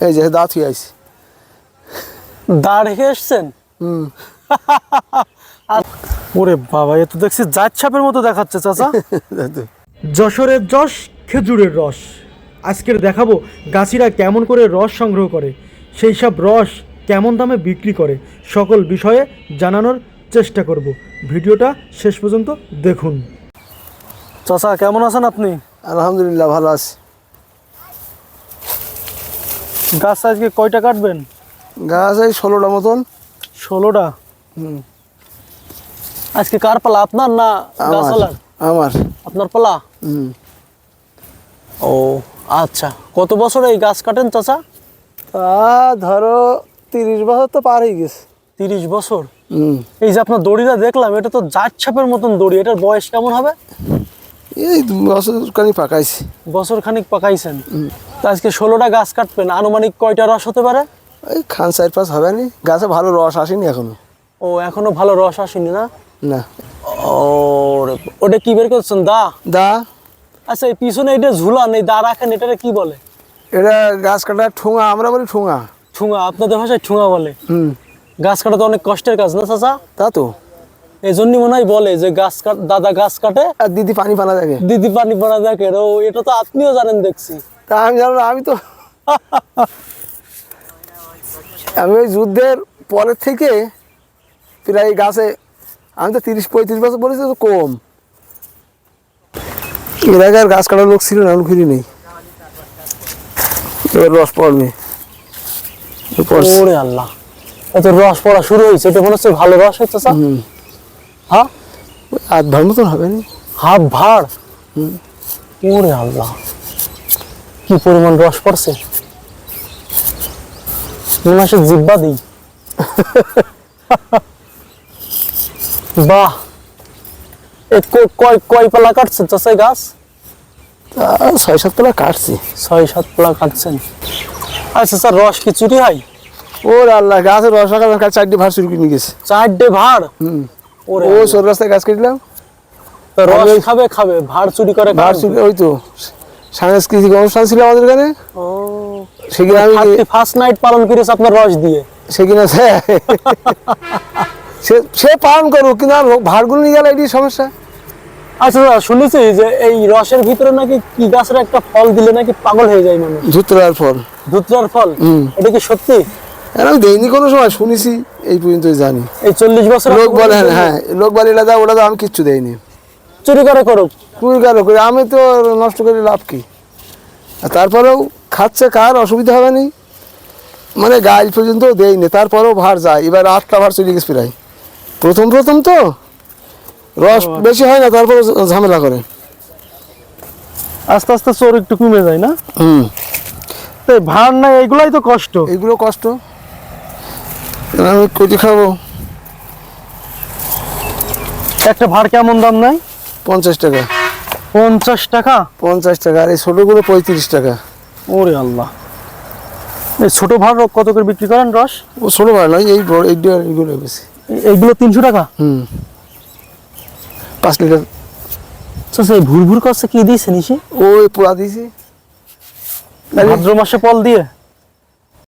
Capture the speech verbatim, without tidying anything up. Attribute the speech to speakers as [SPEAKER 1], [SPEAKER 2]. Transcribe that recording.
[SPEAKER 1] এই যে দাঁত হয়ে আইছে।
[SPEAKER 2] দা রেখে এসছেন?
[SPEAKER 1] হুম।
[SPEAKER 2] ওরে বাবা, এ তো দেখছি জাত ছাপের মতো দেখাচ্ছে চাচা।
[SPEAKER 3] যশোরের যশ খেজুরের রস। আজকের দেখাবো গাছিরা কেমন করে রস সংগ্রহ করে, সেই সব রস কেমন দামে বিক্রি করে, সকল বিষয়ে জানানোর চেষ্টা করব। ভিডিওটা শেষ পর্যন্ত দেখুন।
[SPEAKER 2] চাচা কেমন আছেন আপনি?
[SPEAKER 1] আলহামদুলিল্লাহ ভালো আছি।
[SPEAKER 2] গাছ আজকে কয়টা কাটবেন?
[SPEAKER 1] গাছ এই ষোলোটা মতন।
[SPEAKER 2] ষোলোটা?
[SPEAKER 1] হুম।
[SPEAKER 2] আজকে কার পালা, আপনার না গাছওয়ালার?
[SPEAKER 1] আমার।
[SPEAKER 2] আপনার পালা?
[SPEAKER 1] হুম।
[SPEAKER 2] ও আচ্ছা, কত বছর এই গাছ কাটেন চাচা?
[SPEAKER 1] তা ধরো তিরিশ বছর তো পার হয়ে গেছে।
[SPEAKER 2] তিরিশ বছর?
[SPEAKER 1] হুম।
[SPEAKER 2] এই যে আপনার দড়িটা দেখলাম, এটা তো জাত ছাপের মতন দড়ি, এটার বয়স কেমন হবে?
[SPEAKER 1] এই দু বছর খানি পাকাইছি।
[SPEAKER 2] বছর খানিক পাকাইছেন। তা আজকে ষোলোটা গাছ কাটবেন, আনুমানিক কয়টা রস হতে পারে?
[SPEAKER 1] এই খান চার পাঁচ হবে নি, গাছে ভালো রস আসেনি এখনো।
[SPEAKER 2] ও এখনো ভালো রস আসেনি না?
[SPEAKER 1] না।
[SPEAKER 2] ও ওটা কি বের করছেন, দা?
[SPEAKER 1] দা।
[SPEAKER 2] আচ্ছা, এই পিছনে এটা ঝুলান, এই দা রাখেন, এটারে কি বলে?
[SPEAKER 1] এটা গাছ কাটার ঠোঙা, আমরা বলি ঠোঙা।
[SPEAKER 2] ঠুঙা? আপনাদের ভাষায় ঠুঙা বলে?
[SPEAKER 1] হুম।
[SPEAKER 2] গাছ কাটা তো অনেক কষ্টের কাজ না চাচা?
[SPEAKER 1] তা তো।
[SPEAKER 2] এই জন্যই মনে হয় বলে যে গাছ কাট, দাদা গাছ কাটে
[SPEAKER 1] আর দিদি পানি পানা দেখে।
[SPEAKER 2] দিদি পানি পড়া দেখে। ও এটা তো আপনিও জানেন দেখছি।
[SPEAKER 1] তা আমি জানো না, আমি তো আমি ওই যুদ্ধের পরের থেকে প্রায় গাছে আমি তো তিরিশ পঁয়ত্রিশ বছর বলেছি, তো কম। এর আগে আর গাছ কাটার লোক ছিল না, আমি ঘুরি নেই। এবার রস পড়বে।
[SPEAKER 2] ওরে আল্লাহ, এত রস পড়া শুরু হয়েছে, এটা মনে হচ্ছে ভালো রস হচ্ছে স্যার। হ্যাঁ,
[SPEAKER 1] আধ ভার মতন হবে না?
[SPEAKER 2] হাফ ভাড়? ওরে আল্লাহ, কি পরিমাণ রস পড়ছে! মনে হয় জিব্বা দিই। বাহ, কয় কয় পালা কাটছেন চাচা গাছ?
[SPEAKER 1] তা ছয় সাত তলা কাটছি।
[SPEAKER 2] ছয় সাত পালা কাটছেন। আচ্ছা স্যার, রস কি চুরি হয়?
[SPEAKER 1] ওর আল্লাহ, গাছের রস রাখা চারটি ভার চুরি কিনে গেছে।
[SPEAKER 2] চারটে ভাড়?
[SPEAKER 1] হুম।
[SPEAKER 2] ওরে
[SPEAKER 1] ও সর রাস্তায় গাছ কাটলাম।
[SPEAKER 2] রস খাবে খাবে ভাড় চুরি করে?
[SPEAKER 1] ভার চুরি, ওই তো সাংস্কৃতিক অনুষ্ঠান ছিল আমাদের এখানে।
[SPEAKER 2] ও,
[SPEAKER 1] সেখানে আমি
[SPEAKER 2] ফার্স্ট নাইট পালন করেছে আপনার রস দিয়ে?
[SPEAKER 1] সেখানে সে সে পালন করুক, কিন্তু আর ভাড়গুলো নিয়ে গেলে এটি সমস্যা।
[SPEAKER 2] আচ্ছা, শুনেছি যে এই রসের ভিতরে নাকি কি গাছের একটা ফল দিলে নাকি পাগল হয়ে যায় মানুষ।
[SPEAKER 1] ধুতরার ফল।
[SPEAKER 2] ধুতরার ফল? এটা কি সত্যি?
[SPEAKER 1] আমি দেইনি কোনো সময়, শুনেছি, এই পর্যন্ত জানি।
[SPEAKER 2] এই চল্লিশ বছর
[SPEAKER 1] লোক বলে, হ্যাঁ লোক বলে এটা দাও ওটা দাও, আমি কিচ্ছু দেয়নি।
[SPEAKER 2] চুরি করে করুক,
[SPEAKER 1] চুরি করে করে আমি তো নষ্ট করে লাভ কি? আর তারপরেও খাচ্ছে, কার অসুবিধা হবে না, মানে গাছ পর্যন্ত দেয়নি, তারপরেও ভার যায়। এবার আটটা ভার চলে গেছে প্রায়। প্রথম প্রথম তো রস বেশি হয় না, তারপরে ঝামেলা করে।
[SPEAKER 2] আস্তে আস্তে চোর একটু কমে যায় না?
[SPEAKER 1] হুম।
[SPEAKER 2] ভার নাই, এইগুলাই তো কষ্ট।
[SPEAKER 1] এইগুলো কষ্ট, আমি কচি খাবো।
[SPEAKER 2] একটা ভার কেমন দাম নাই?
[SPEAKER 1] পঞ্চাশ টাকা।
[SPEAKER 2] পঞ্চাশ টাকা?
[SPEAKER 1] পঞ্চাশ টাকা। আর এই ছোটোগুলো পঁয়ত্রিশ টাকা।
[SPEAKER 2] ওরে আল্লাহ, এই ছোট ভার কত করে বিক্রি করেন রস?
[SPEAKER 1] ও ছোটো ভার নয়, এই বড় এইগুলো বেশি।
[SPEAKER 2] এইগুলো তিনশো টাকা?
[SPEAKER 1] হুম। পাঁচ লিটার।
[SPEAKER 2] আচ্ছা, এই ভুর ভুর করছে কি দিয়েছে নিশে?
[SPEAKER 1] ওই পোড়া দিয়েছি
[SPEAKER 2] ভাদ্র মাসে ফল দিয়ে।